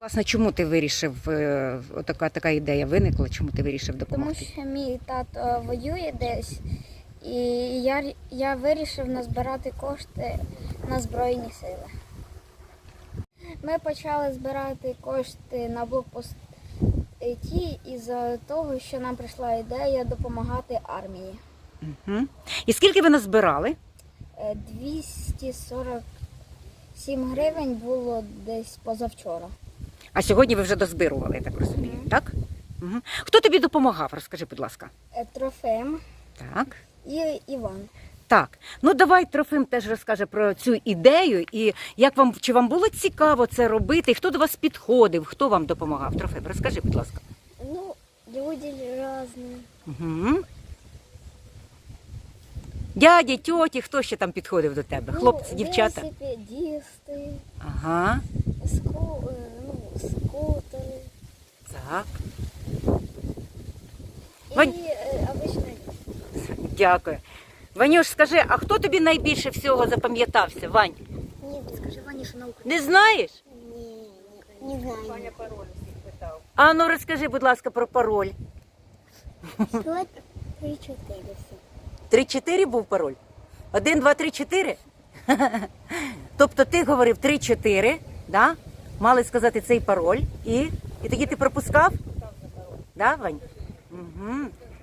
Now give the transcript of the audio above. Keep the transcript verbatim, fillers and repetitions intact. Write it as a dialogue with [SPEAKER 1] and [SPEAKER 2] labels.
[SPEAKER 1] Власне, чому ти вирішив, е, така, така ідея виникла, чому ти вирішив
[SPEAKER 2] Тому
[SPEAKER 1] допомогти?
[SPEAKER 2] що мій тато воює десь, і я, я вирішив назбирати кошти на Збройні Сили. Ми почали збирати кошти на блокпості із-за того, що нам прийшла ідея допомагати армії.
[SPEAKER 1] Угу. І скільки ви назбирали?
[SPEAKER 2] Е, двісті сорок сім гривень було десь позавчора.
[SPEAKER 1] А сьогодні ви вже дозбирували, я так розумію,
[SPEAKER 2] Мгм.
[SPEAKER 1] так? Угу. Хто тобі допомагав? Розкажи, будь ласка.
[SPEAKER 2] Е, Трофим
[SPEAKER 1] Так.
[SPEAKER 2] і Іван.
[SPEAKER 1] Так, ну давай Трофим теж розкаже про цю ідею і як вам, чи вам було цікаво це робити, і хто до вас підходив, хто вам допомагав? Трофим, розкажи, будь ласка.
[SPEAKER 2] Ну, люди різні.
[SPEAKER 1] Угу. Дяді, тьоті, хто ще там підходив до тебе? Хлопці, дівчата?
[SPEAKER 2] Велосипедисти,
[SPEAKER 1] Ага,
[SPEAKER 2] ску, е, ну, скутери
[SPEAKER 1] так,
[SPEAKER 2] і
[SPEAKER 1] Вань-
[SPEAKER 2] е, обичні люди.
[SPEAKER 1] дякую. Ванюш, скажи, а хто тобі найбільше всього запам'ятався, Вань?
[SPEAKER 2] Ні, скажи Вані, що наука.
[SPEAKER 1] Не знаєш?
[SPEAKER 2] Ні, не знаю.
[SPEAKER 1] А ну розкажи, будь ласка, про пароль.
[SPEAKER 2] Склад три-чотири все.
[SPEAKER 1] Три-чотири був пароль? Один, два, три, чотири? Тобто ти говорив три-чотири, да? Мали сказати цей пароль, і, і тоді ти пропускав? Да, Вань? Угу.